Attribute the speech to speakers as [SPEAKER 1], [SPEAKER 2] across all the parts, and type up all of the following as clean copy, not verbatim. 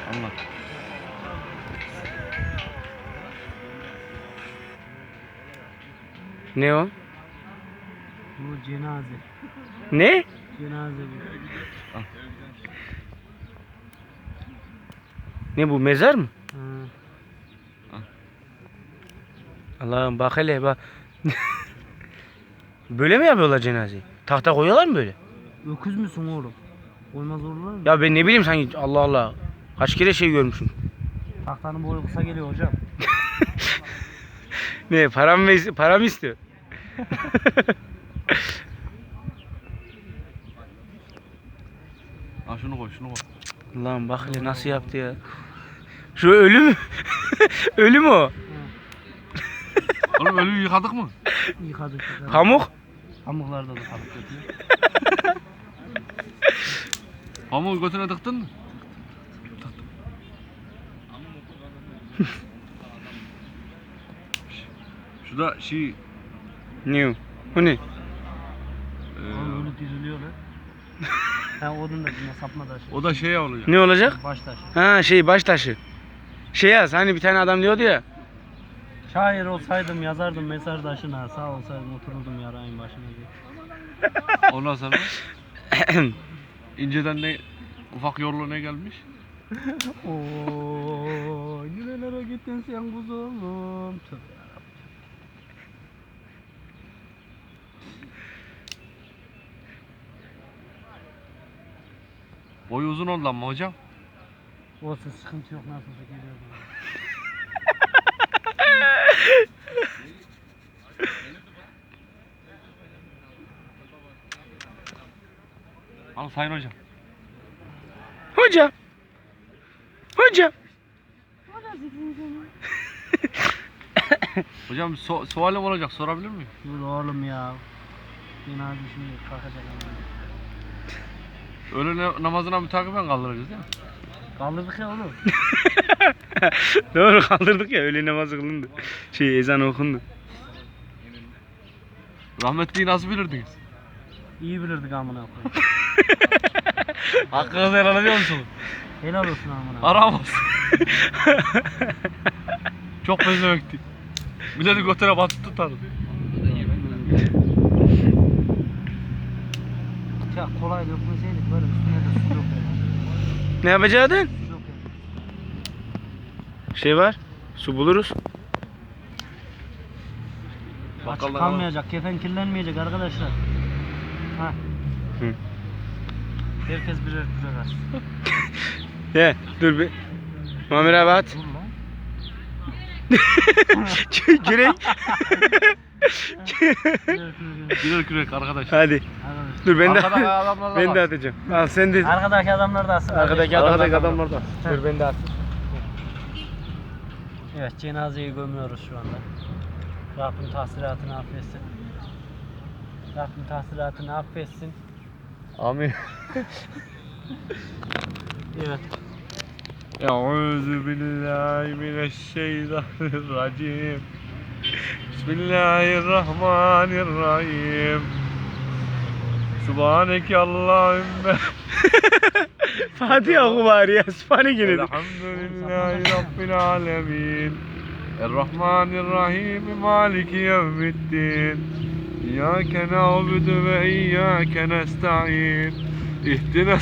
[SPEAKER 1] Anlat.
[SPEAKER 2] Ne o?
[SPEAKER 3] Bu cenaze.
[SPEAKER 2] Ne?
[SPEAKER 3] Cenaze bu.
[SPEAKER 2] Ne bu, mezar mı?
[SPEAKER 3] Ha.
[SPEAKER 2] Allah'ım bak hele bak. Böyle mi yapıyorlar cenazeyi? Tahta koyuyorlar mı böyle?
[SPEAKER 3] Öküz müsün oğlum? Koymaz olurlar mı?
[SPEAKER 2] Ya ben ne bileyim sanki, Allah Allah. Kaç kere şey görmüşüm.
[SPEAKER 3] Tahtanın boyu kısa geliyor hocam.
[SPEAKER 2] Ne, param istiyor?
[SPEAKER 1] Ha şunu koy, şunu koy.
[SPEAKER 2] Allah'ım bak hele nasıl yaptı ya. Şu ölü mü? Ölü mü o?
[SPEAKER 1] Oğlum ölüyü yıkadık mı?
[SPEAKER 3] Yıkadık.
[SPEAKER 2] Pamuk?
[SPEAKER 3] Pamuklarda da kalıp götürüyor.
[SPEAKER 1] Pamuğu götüne tıktın mı? Şu da şey...
[SPEAKER 2] Ne o? O ne?
[SPEAKER 3] Oğlum öyle diriliyor lan. Ha onun da yine sapma taşı.
[SPEAKER 1] O da şey oluyor.
[SPEAKER 2] Ne olacak?
[SPEAKER 3] Baş taşı.
[SPEAKER 2] Ha şey, baş taşı. Şey yaz, hani bir tane adam diyordu ya.
[SPEAKER 3] Şair olsaydım yazardım mezar taşına. Sağ olsaydım otururdum yarayın başına diye.
[SPEAKER 1] Ondan sonra inceden ne ufak yorlu ne gelmiş?
[SPEAKER 3] Ooo nerelere gittin sen kuzum? Tövbe yarabbim.
[SPEAKER 1] Boyu uzun oldu ama hocam.
[SPEAKER 3] Olsun sıkıntı yok nasılsa geliyor bana.
[SPEAKER 1] Al sayın hocam.
[SPEAKER 2] Hocam. Hocam.
[SPEAKER 1] Hocam bir sualim olacak, sorabilir miyim?
[SPEAKER 3] Dur oğlum ya. Cenaze şimdi kalkacak ama.
[SPEAKER 1] Öğle namazına mütakiben kaldıracağız değil mi?
[SPEAKER 3] Kaldırdık ya oğlum.
[SPEAKER 2] Doğru, kaldırdık ya, öğle namazı kılındı. Şey, ezan okundu.
[SPEAKER 1] Rahmetliyi nasıl bilirdiniz?
[SPEAKER 3] İyi bilirdik amına koyayım.
[SPEAKER 1] Hakkınızı helal ediyor musunuz?
[SPEAKER 3] Helal olsun amına.
[SPEAKER 1] Aramaz. Çok benzemekti. Milleti götüne batıp tutardı.
[SPEAKER 3] Ya kolay dökmeseydik böyle üstüne de su dökeriz.
[SPEAKER 2] Ne yapacaktın?
[SPEAKER 3] Su dökeriz.
[SPEAKER 2] Şey var, su buluruz.
[SPEAKER 3] Açık
[SPEAKER 1] Bakkaldan
[SPEAKER 3] kalmayacak, kefen kirlenmeyecek arkadaşlar. Ha.
[SPEAKER 2] Hı.
[SPEAKER 3] Herkes birer birer aç.
[SPEAKER 2] He, dur bir. Muammer abi at.
[SPEAKER 3] Dur lan.
[SPEAKER 2] Kürek.
[SPEAKER 1] Birer kürek arkadaş.
[SPEAKER 2] Hadi.
[SPEAKER 3] Arkadaşlar.
[SPEAKER 2] Dur ben de
[SPEAKER 1] Arkadaki adamlar da
[SPEAKER 2] ben de
[SPEAKER 1] var.
[SPEAKER 2] atacağım. Al sen de.
[SPEAKER 3] Arkadaki adamlar da atsın.
[SPEAKER 2] Arkadaki adamlar da. Dur ben de atayım.
[SPEAKER 3] Evet, cenazeyi gömüyoruz şu anda. Rabbim tahsilatını affetsin. Rabbim tahsilatını affetsin.
[SPEAKER 1] Amin.
[SPEAKER 3] Evet.
[SPEAKER 1] Euzu billahi mineşşeytanirracim. Bismillahirrahmanirrahim. Subhaneke Allahümme.
[SPEAKER 2] Fatiha oku bari ya. Sübhane gene de.
[SPEAKER 1] Elhamdülillahi Rabbil alemin. Errahmanirrahim. Maliki yevmiddin. İyyâke na'budu ve iyyâke nesta'in. İhdina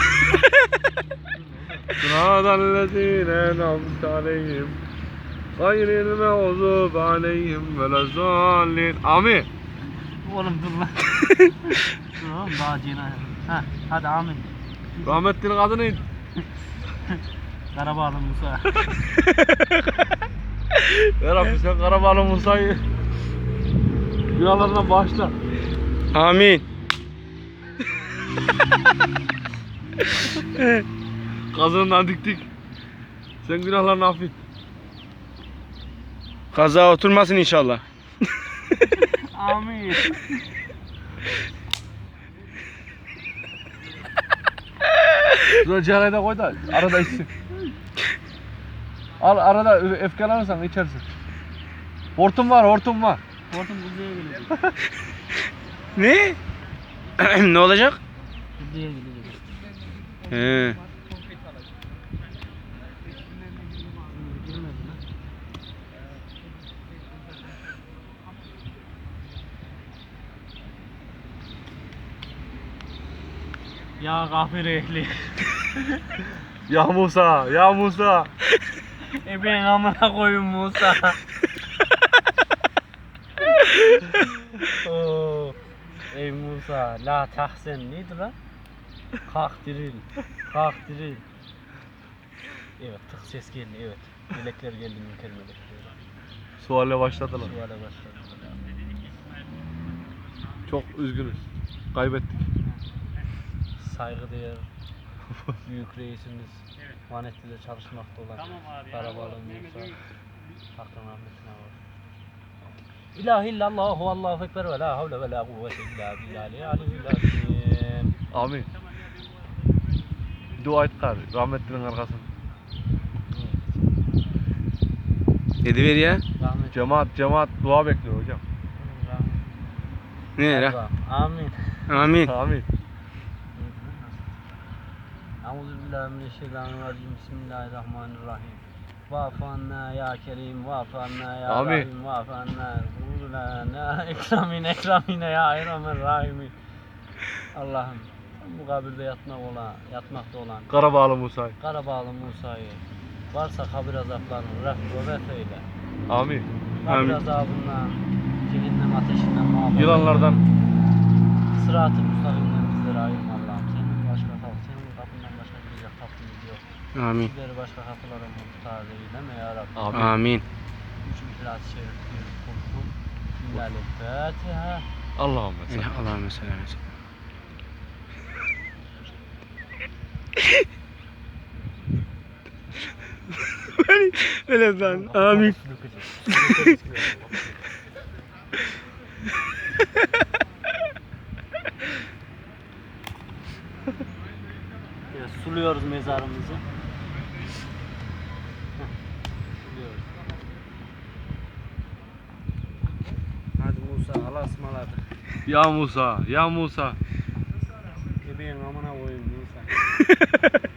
[SPEAKER 1] sıratallezîne en'amte aleyhim. Gayril mağdubi aleyhim velezzâllin. Amin.
[SPEAKER 3] Oğlum dur lan. Dur oğlum daha cenaze. Ha, hadi amin.
[SPEAKER 1] Rahmetli'nin adı neydi?
[SPEAKER 3] Karabağlı Musa.
[SPEAKER 1] Ya Rabbi sen Karabağlı Musa'yı günahlarından bağışla.
[SPEAKER 2] Amin.
[SPEAKER 1] Kazığından diktik. Sen günahlarını affet.
[SPEAKER 2] Kaza oturmasın inşallah.
[SPEAKER 3] Amin.
[SPEAKER 1] Şuraya ciğerayı da koy da arada içsin. Al arada öfkelenirsen içersin. Hortum var, hortum var.
[SPEAKER 3] Hortum kuzeye gelecek.
[SPEAKER 2] Ne? Ne olacak?
[SPEAKER 3] Kuzeye gelecek.
[SPEAKER 2] He.
[SPEAKER 3] Ya gafir ehli.
[SPEAKER 1] Ya Musa, ya Musa.
[SPEAKER 3] Ben amına koyun Musa. Oo. Ey Musa, la tahsen neydi lan? Kalk diril, kalk diril. Evet, tık ses geldi, evet. Melekler geldi, münker melekler.
[SPEAKER 1] Suale başladılar.
[SPEAKER 3] Suale başladı.
[SPEAKER 1] Çok üzgünüz. Kaybettik.
[SPEAKER 3] Saygıdeğer büyük reisimiz Vanetti'de çalışmakta olan Karabalı Musa hakkın rahmetine var. İlahi illallahu Allahu ekber ve la havle ve la kuvvete illa billahi aliyyil azim.
[SPEAKER 1] Amin. Dua et gari. Rahmetlinin arkasında.
[SPEAKER 2] Dedi ver ya.
[SPEAKER 3] Rahmet.
[SPEAKER 1] Cemaat dua bekliyor hocam.
[SPEAKER 2] Ne ya?
[SPEAKER 3] Amin.
[SPEAKER 2] Amin.
[SPEAKER 1] Amin.
[SPEAKER 3] Euzubillahimineşşeytanirracim. Bismillahirrahmanirrahim. Va'fu anna ya kerim, va'fu anna ya
[SPEAKER 1] Amin.
[SPEAKER 3] rahim, va'fu anna ruhulana ekramine ya erhamer rahimin. Allah'ım bu kabirde yatmakta olan
[SPEAKER 1] Karabağlı Musa.
[SPEAKER 3] Karabağlı Musa'yı varsa kabir azaplarını refk ve eyle.
[SPEAKER 1] Amin.
[SPEAKER 3] Kabir
[SPEAKER 2] Amin.
[SPEAKER 3] azabından, cehennem ateşinden muhafaza.
[SPEAKER 1] Yılanlardan.
[SPEAKER 3] Sırat-ı müstakimden bizleri ayırma Allah'ım. Senin kapından başka gidecek kapımız yok.
[SPEAKER 2] Amin.
[SPEAKER 3] Bizleri başka kapılara muhtaç eyleme ya Rabbi.
[SPEAKER 1] Amin.
[SPEAKER 2] Amin.
[SPEAKER 3] Üç İhlas-ı Şerif bir kulkum. Fatiha.
[SPEAKER 1] Allahümme salli.
[SPEAKER 2] Allahümme selam. Öyle lan. Amin.
[SPEAKER 3] Evet, suluyoruz mezarımızı. Suluyoruz. Hadi Musa, Allah'a ısmarladık.
[SPEAKER 1] Ya Musa, ya Musa.
[SPEAKER 3] Bebeğin amına koyayım Musa.